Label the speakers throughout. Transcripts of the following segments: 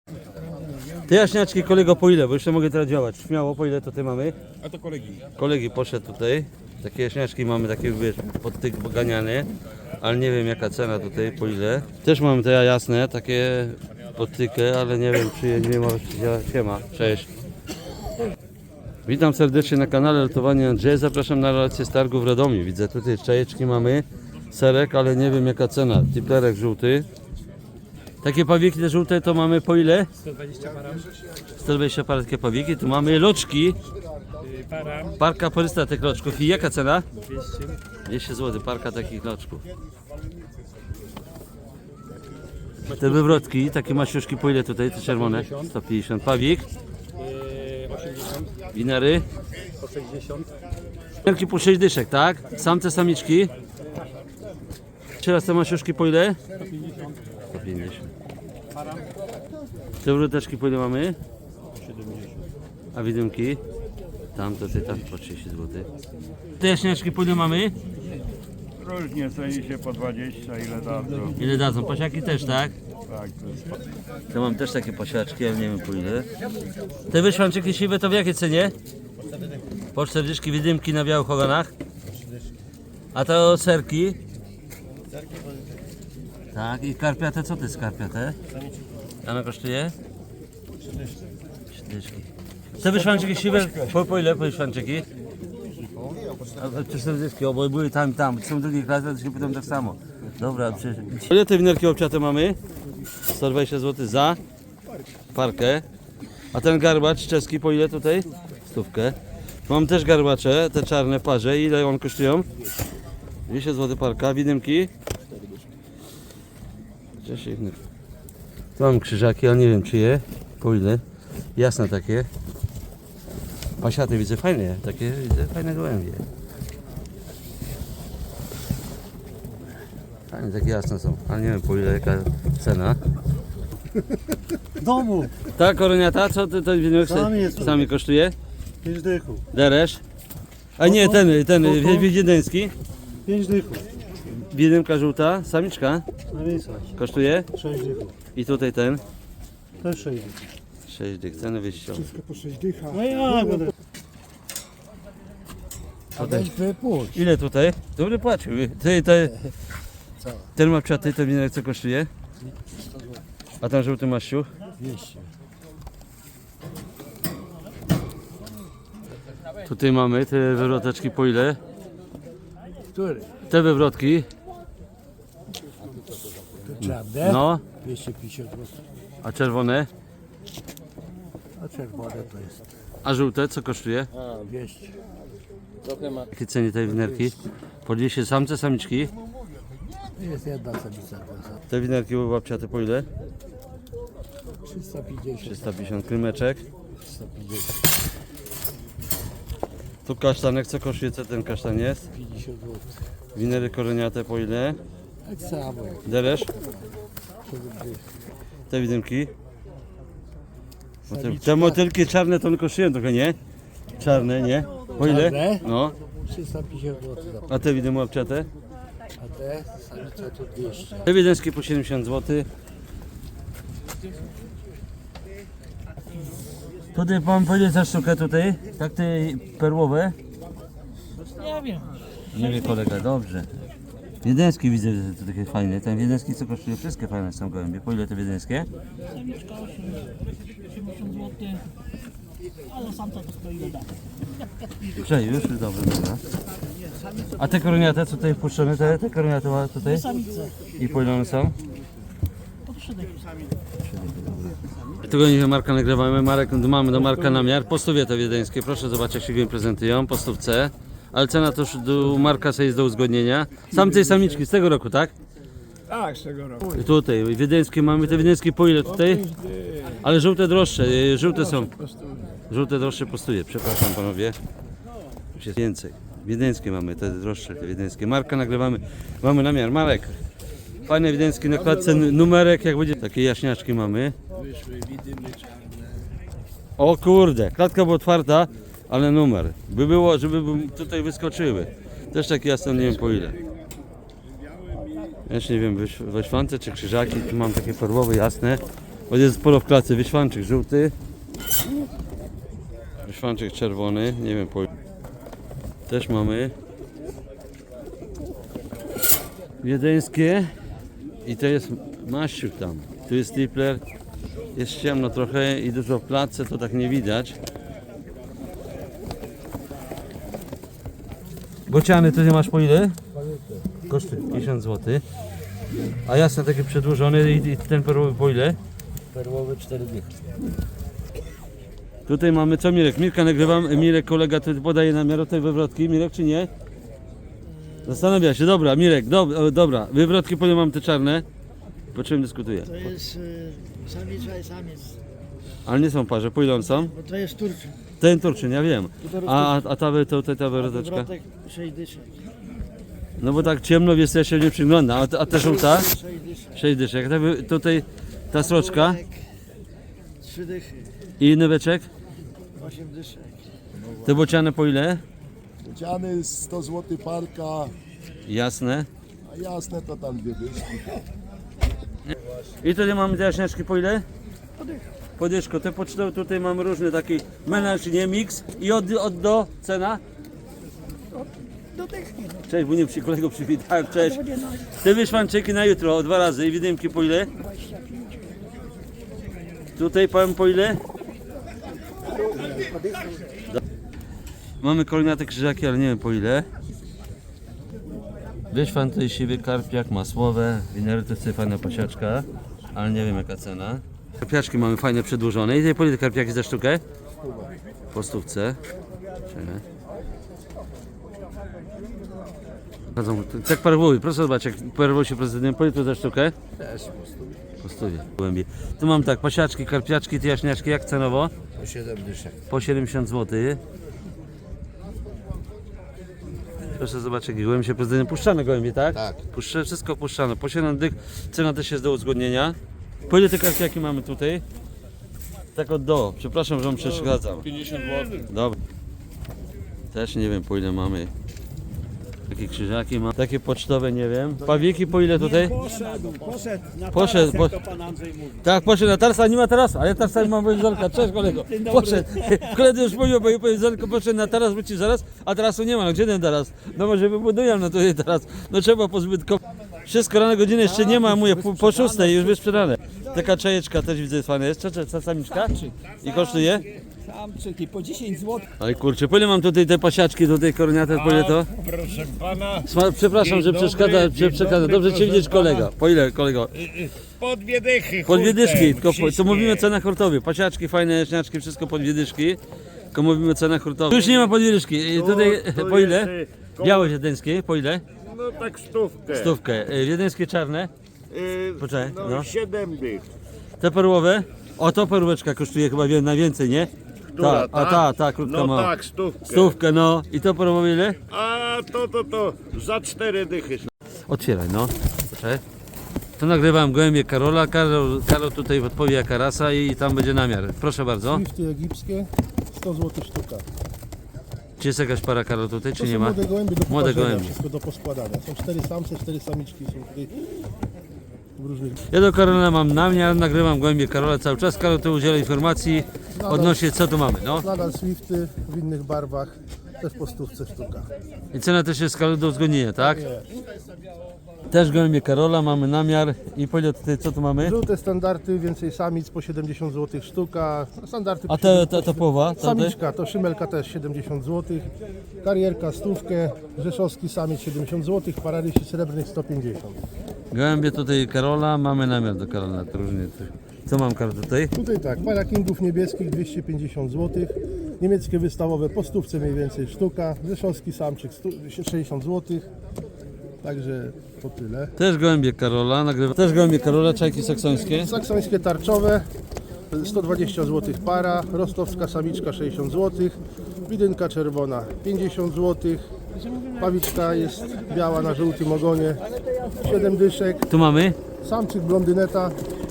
Speaker 1: Te jaśniaczki, kolego, po ile? Bo jeszcze mogę teraz działać. Śmiało, po ile to ty mamy?
Speaker 2: A to kolegi.
Speaker 1: Kolegi poszedł tutaj. Takie jaśniaczki mamy, takie wiesz, pod tych ganiane. Ale nie wiem jaka cena tutaj, po ile. Też mamy te jasne, takie pod tykę, ale nie wiem czy je nie ma. Siema, cześć. Witam serdecznie na kanale Lotowanie Andrzeja. Zapraszam na relację z targu w Radomiu. Widzę tutaj czajeczki mamy, serek, ale nie wiem jaka cena. Tiplerek żółty. Takie pawieki te żółte to mamy po ile?
Speaker 2: 120 para.
Speaker 1: 120 par takie pawieki. Tu mamy loczki.
Speaker 2: Para.
Speaker 1: Parka porysta tych loczków. I jaka cena?
Speaker 2: 200.
Speaker 1: 200 zł parka takich loczków. Te wywrotki, takie maściuszki po ile tutaj? Te czerwone? 150. Pawik.
Speaker 2: 80.
Speaker 1: Winery.
Speaker 2: Po 60.
Speaker 1: Winerki po 6 dyszek, tak? Samce, samiczki. Teraz te maściuszki po ile?
Speaker 2: 150.
Speaker 1: 150.
Speaker 2: Para.
Speaker 1: Te wroteczki po ile mamy?
Speaker 2: 70.
Speaker 1: A widymki? Tam to ty tam po 30 zł. Te jaśniaczki po ile mamy?
Speaker 3: Różnie ceni się po 20, ile dadzą.
Speaker 1: Ile dadzą? Pasiaki też, tak?
Speaker 3: Tak, to jest
Speaker 1: To mam też takie pasiaczki, ale nie wiem po ile. Te wyszwanczyki siwe to w jakiej cenie? Po 40 widymki na białych ogonach. A to serki? Tak, i karpiate, co to jest karpiate? Ona kosztuje? 30. Te wyszwanczyki siwe, po ile po wyszwanczyki? A 40, bo były tam. Są drugie klasy, to się pytam tak samo. Dobra, ile te winerki obciate mamy? 120 zł za parkę. A ten garbacz czeski po ile tutaj? 100. Mam też garbacze, te czarne w parze. Ile one kosztują? 200 zł parka. Widymki? Tu mam krzyżaki, ale nie wiem czyje. Po ile? Jasne takie. Pasiaty widzę fajne, takie widzę fajne gołębie. Fajne, takie jasne są, ale nie wiem po ile, jaka cena.
Speaker 4: Domu,
Speaker 1: Ta koroniata, co ty to winek sami kosztuje?
Speaker 4: 5 dychów.
Speaker 1: Deresz? A nie, ten wiedeński.
Speaker 4: 5 dychów.
Speaker 1: Wiedymka żółta, samiczka
Speaker 4: Na miejscach.
Speaker 1: kosztuje.
Speaker 4: 6 dychów.
Speaker 1: I tutaj ten.
Speaker 4: Też 6 dychów.
Speaker 1: 6 dych, ceny wyjściowe.
Speaker 4: No jak będę?
Speaker 1: Ile tutaj? Dobry płacił. Ten ma psiaty, ten winek co kosztuje? A ten żółty maściu?
Speaker 4: 200.
Speaker 1: Tutaj mamy te wywroteczki po ile?
Speaker 4: Który?
Speaker 1: Te wywrotki,
Speaker 4: Czarne?
Speaker 1: no,
Speaker 4: 250 zł.
Speaker 1: a czerwone,
Speaker 4: A czerwone to jest
Speaker 1: a żółte co kosztuje?
Speaker 4: 200.
Speaker 1: Jakie ceny tej winerki? Po 200 samce, samiczki.
Speaker 4: Jest jedna samica.
Speaker 1: Te winerki babciate po ile?
Speaker 4: 350.
Speaker 1: 350 krymeczek.
Speaker 4: 350.
Speaker 1: Tu kasztanek, co kosztuje, co ten kasztan jest?
Speaker 4: 50 zł.
Speaker 1: Winery koroniate po ile?
Speaker 4: Tak samo jak
Speaker 1: Deresz?
Speaker 4: 7 dych.
Speaker 1: Te widymki? Te motylki czarne to one kosztują trochę, nie? Czarne, nie? Po ile?
Speaker 4: Czarne?
Speaker 1: No.
Speaker 4: 350 zł.
Speaker 1: A te widymy babciate?
Speaker 4: A te samice to 200.
Speaker 1: Te wiedeńskie po 70 zł. Tutaj pan powiedzieć za sztukę tutaj, tak te perłowe?
Speaker 4: Nie wiem.
Speaker 1: Nie wie kolega, dobrze. Wiedeński widzę, że to takie fajne. Ten wiedeński co kosztuje? Wszystkie fajne są gołębie. Po ile te wiedeńskie?
Speaker 5: Samiczka 80 zł, ale samca to stoi ile da.
Speaker 1: Cześć, już dobra. A te koroniate, co tutaj wpuszczone, te koroniate ma tutaj?
Speaker 5: Samice
Speaker 1: I po ile one są?
Speaker 5: po 3 dychy.
Speaker 1: Tego nie Marka nagrywamy, mamy do Marka namiar. Po stówie te wiedeńskie, proszę zobaczyć jak się go prezentują, po stówce. Ale cena to już do Marka sobie jest do uzgodnienia. Samce i samiczki z tego roku, tak?
Speaker 3: Tak, z tego roku.
Speaker 1: I tutaj wiedeńskie mamy, te wiedeńskie po ile tutaj? Ale żółte droższe, żółte są. Żółte droższe po stówie, przepraszam panowie. Już jest więcej. Wiedeńskie mamy, te droższe, te wiedeńskie. Marka nagrywamy, mamy namiar. Marek, fajne wiedeńskie na klatce, numerek jak będzie. Takie jaśniaczki mamy. O kurde, klatka była otwarta, ale numer. By było, żeby tutaj wyskoczyły. Też takie jasne, nie wiem po ile. Ja już nie wiem, wyszwance czy krzyżaki, tu mam takie perłowe jasne. Bo jest sporo w klatce. Wyszwanczyk żółty. Wyszwanczyk czerwony. Nie wiem, też mamy. Wiedeńskie. I to jest maściuk tam. Tu jest tripler. Jest ciemno trochę i dużo w klatce, to tak nie widać. Bociany, ty nie masz po ile? Kosztuje 50 zł. A jasne taki przedłużony i ten perłowy po ile?
Speaker 4: Perłowy 4 dychy.
Speaker 1: Tutaj mamy co Mirek? Mirka nagrywam, Mirek kolega tu podaje namiar tej wywrotki. Mirek czy nie? Zastanawia się, dobra Mirek, dobra. Wywrotki po ile mam te czarne? Po czym dyskutuję?
Speaker 5: To jest samica i samiec.
Speaker 1: Ale nie są parze, po ile one są?
Speaker 5: Bo to jest turczyn.
Speaker 1: Ten turczyn, ja wiem. A ta wywroteczka?
Speaker 5: Wywrotek 6 dyszek.
Speaker 1: No bo tak ciemno jest, ja się nie przyglądam. A ta żółta?
Speaker 5: 6 dyszek.
Speaker 1: 6 dyszek. Tutaj ta sroczka
Speaker 5: 3 dychy.
Speaker 1: i nyweczek.
Speaker 5: 8 dyszek.
Speaker 1: Te bociane po ile?
Speaker 6: Bociany 100 zł parka,
Speaker 1: Jasne.
Speaker 6: a jasne to tam 2 dyszki.
Speaker 1: I tutaj mamy te jaśniaczki po ile? Podyszko. Te pocztowe tutaj mamy różne taki melanż, nie mix. I od do cena?
Speaker 5: Do tych.
Speaker 1: Cześć, bo nie przy kolego przywitałem, cześć. Te wyszwanczyki na jutro, o 2 razy. I widymki po ile? Tutaj powiem po ile? Mamy koloniate krzyżaki, ale nie wiem po ile. Wyszwan tutaj siwy karpiak, masłowe, winery to jest fajna pasiaczka, ale nie wiem jaka cena. Karpiaczki mamy fajne przedłużone. I tutaj po ile te karpiaki za sztukę? Po stówce. Czekaj. Tak perłowy, proszę zobaczyć, jak perłowy się prezydent, po ile to za sztukę?
Speaker 4: Też
Speaker 1: Po stówie, głębiej. Tu mam tak, pasiaczki, karpiaczki, te jaśniaczki, jak cenowo?
Speaker 4: po 7 dyszek.
Speaker 1: Po 70 zł. Proszę zobaczyć, jakie gołębie się prezydentem puszczane gołębie, tak?
Speaker 4: Tak.
Speaker 1: Wszystko puszczane. Po 7 dych, cena też jest do uzgodnienia. Po ile te karpiaki mamy tutaj? Tak od do. Przepraszam, że wam przeszkadzam.
Speaker 3: 50 zł.
Speaker 1: Dobra. Też nie wiem po ile mamy. Takie krzyżaki mam. Takie pocztowe nie wiem. Pawiki po ile tutaj?
Speaker 2: Poszedł na
Speaker 1: Poszedł,
Speaker 2: taras, jak to pan Andrzej mówi.
Speaker 1: Tak, poszedł na tarasa, nie ma tarasa, a ja tarasa mam powiedzonka. Cześć kolego. Poszedł. Koledzy już mówił, bo ja powiedzonko poszedł na taras, wrócił zaraz, a tarasu nie ma. No gdzie ten taras? No może wybudują no tutaj teraz. No trzeba pozbytkować. Wszystko rano godziny jeszcze nie ma, a mówię po 6 już wysprzedane. Taka czajeczka też widzę jest fajna. Jest samiczka? I kosztuje?
Speaker 2: Samczyki po 10 zł.
Speaker 1: Oj kurczę, po ile mam tutaj te pasiaczki, tutaj koroniate, po ile to?
Speaker 3: Proszę pana,
Speaker 1: Przepraszam, że
Speaker 3: Dzień
Speaker 1: przeszkadza,
Speaker 3: dobry, dzień
Speaker 1: przeszkadza.
Speaker 3: dobry,
Speaker 1: Dobrze cię
Speaker 3: proszę
Speaker 1: widzieć
Speaker 3: pana.
Speaker 1: kolega. Po ile kolego?
Speaker 3: po 2 dychy.
Speaker 1: Po 2 dyszki,
Speaker 3: hurtem,
Speaker 1: tylko to
Speaker 3: wszystkie.
Speaker 1: mówimy o cenach hurtowych. Pasiaczki, fajne jaśniaczki, wszystko po 2 dyszki. Tylko mówimy o cenach hurtowych. Już nie ma po 2 dyszki. I tutaj
Speaker 3: To
Speaker 1: po ile?
Speaker 3: jest, koło-
Speaker 1: Białe wiedeńskie, po ile?
Speaker 3: No tak stówkę.
Speaker 1: Stówkę. Wiedeńskie czarne, Poczekaj,
Speaker 3: No,
Speaker 1: no.
Speaker 3: 7 dych.
Speaker 1: te perłowe. O, to perłeczka kosztuje chyba na więcej, nie?
Speaker 3: Która,
Speaker 1: Ta, krótka
Speaker 3: No
Speaker 1: mała.
Speaker 3: tak, stówkę.
Speaker 1: Stówkę, no. I to perłowe ile?
Speaker 3: A to za 4 dychy.
Speaker 1: Otwieraj, no. Poczekaj. Tu nagrywam gołębie Karola. Karol tutaj odpowie jaka rasa i tam będzie namiar. Proszę bardzo.
Speaker 6: Swifty egipskie, 100 zł sztuka.
Speaker 1: Czy jest jakaś para Karol tutaj, czy
Speaker 6: To
Speaker 1: nie
Speaker 6: są
Speaker 1: ma?
Speaker 6: młode gołębie do
Speaker 1: Młode
Speaker 6: poparzenia,
Speaker 1: gołębie.
Speaker 6: wszystko do poskładania. Są 4 samce, 4 samiczki, są tutaj w różnych...
Speaker 1: Ja do Karola mam namiar, nagrywam gołębie Karola cały czas. Karol tu udziela informacji odnośnie co tu mamy, no.
Speaker 6: Nadal Swifty w innych barwach, też po stówce sztuka.
Speaker 1: I cena też jest Karol do uzgodnienia, tak?
Speaker 6: Nie.
Speaker 1: Też gołębie Karola, mamy namiar i po ile tutaj, co tu mamy?
Speaker 6: Żółte standardy, więcej samic po 70 zł sztuka. Standardy
Speaker 1: A
Speaker 6: po 70
Speaker 1: ta połowa?
Speaker 6: Samiczka to szymelka też 70 zł. Karierka stówkę, rzeszowski samiec 70 zł, pararysi srebrnych 150.
Speaker 1: Gołębie tutaj Karola, mamy namiar do Karola, to różnie. Co mam Karol tutaj?
Speaker 6: Tutaj tak, para kingów niebieskich 250 zł. Niemieckie wystawowe po stówce mniej więcej sztuka. Rzeszowski samczyk 60 zł. Także to tyle.
Speaker 1: Też gołębie Karola, nagrywam. Też gołębie Karola, czajki saksońskie.
Speaker 6: Saksońskie tarczowe 120 zł para, rostowska samiczka 60 zł, widynka czerwona 50 zł, pawiczka jest biała na żółtym ogonie 7 dyszek,
Speaker 1: Tu mamy,
Speaker 6: samczyk blondyneta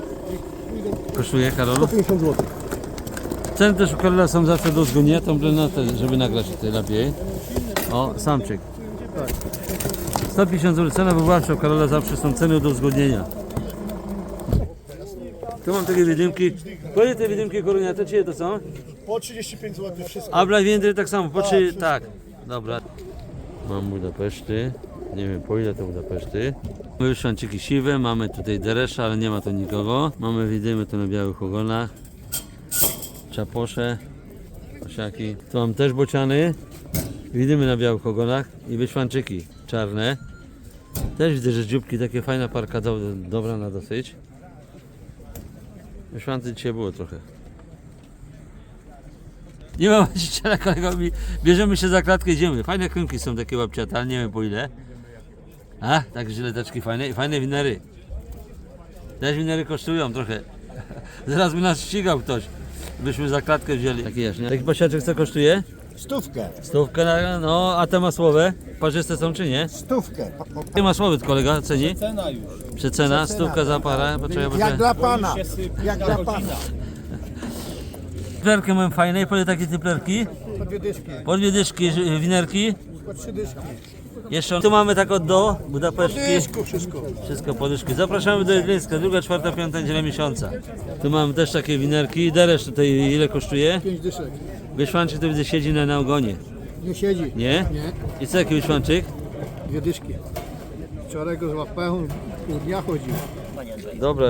Speaker 1: kosztuje Karol.
Speaker 6: 150 zł.
Speaker 1: Ceny też u Karola są zawsze do uzgodnienia, tą blendetę, żeby nagrać tutaj lepiej. O, samczyk.
Speaker 6: Tak.
Speaker 1: 150 zł cena wywoławcza u Karola zawsze są ceny do uzgodnienia. Tu mam takie widymki. Po ile te widymki koroniate, czyje to są?
Speaker 6: Po 35 zł wszystko.
Speaker 1: A Blajwiędry tak samo, po 3, tak. Dobra. Mam Budapeszty. Nie wiem po ile to Budapeszty. Mamy szanczyki siwe, mamy tutaj deresza, ale nie ma tu nikogo. Mamy widymy tu na białych ogonach. Czaposze. Osiaki. Tu mam też bociany. Widymy na białych ogonach i wyszwanczyki czarne. Też widzę, że dzióbki, takie fajna parka, dobra na dosyć. Wyszwancy dzisiaj było trochę. Nie ma właściciela, kolego, bierzemy się za klatkę, idziemy. Fajne krymki są takie łapciate, ale nie wiem po ile. A, tak żyleteczki fajne i fajne winery. Też winery kosztują trochę. Zaraz by nas ścigał ktoś. Byśmy za klatkę wzięli. Taki jaśnie. Taki pasiaczek co kosztuje?
Speaker 2: Stówkę.
Speaker 1: Stówkę, no a te masłowe? Parzyste są czy nie?
Speaker 2: Stówkę.
Speaker 1: Ty masłowy kolega ceni?
Speaker 2: Cena już.
Speaker 1: Przecena, stówka za parę. Poczekaj,
Speaker 2: Jak dla pana. Jak dla pana.
Speaker 1: Typlerki mam fajne. Po ile takie typlerki?
Speaker 2: Po 2 dyszki.
Speaker 1: Po 2 dyszki, winerki.
Speaker 2: Po 3 dyszki.
Speaker 1: Jeszcze tu mamy tak od do Budapesztki.
Speaker 2: Dyszku wszystko.
Speaker 1: Wszystko po dyszki. Zapraszamy do Jedlińska, 2., 4., 5. niedziela miesiąca. Tu mamy też takie winerki. Deresz tutaj ile kosztuje?
Speaker 2: 5 dyszek.
Speaker 1: Wyszwanczyk to widzę siedzi na ogonie.
Speaker 2: Nie siedzi.
Speaker 1: Nie?
Speaker 2: Nie.
Speaker 1: I co jaki wyszwanczyk?
Speaker 2: 2 dyszki. Wczoraj go złapałem, pół dnia chodził.
Speaker 1: Dobra.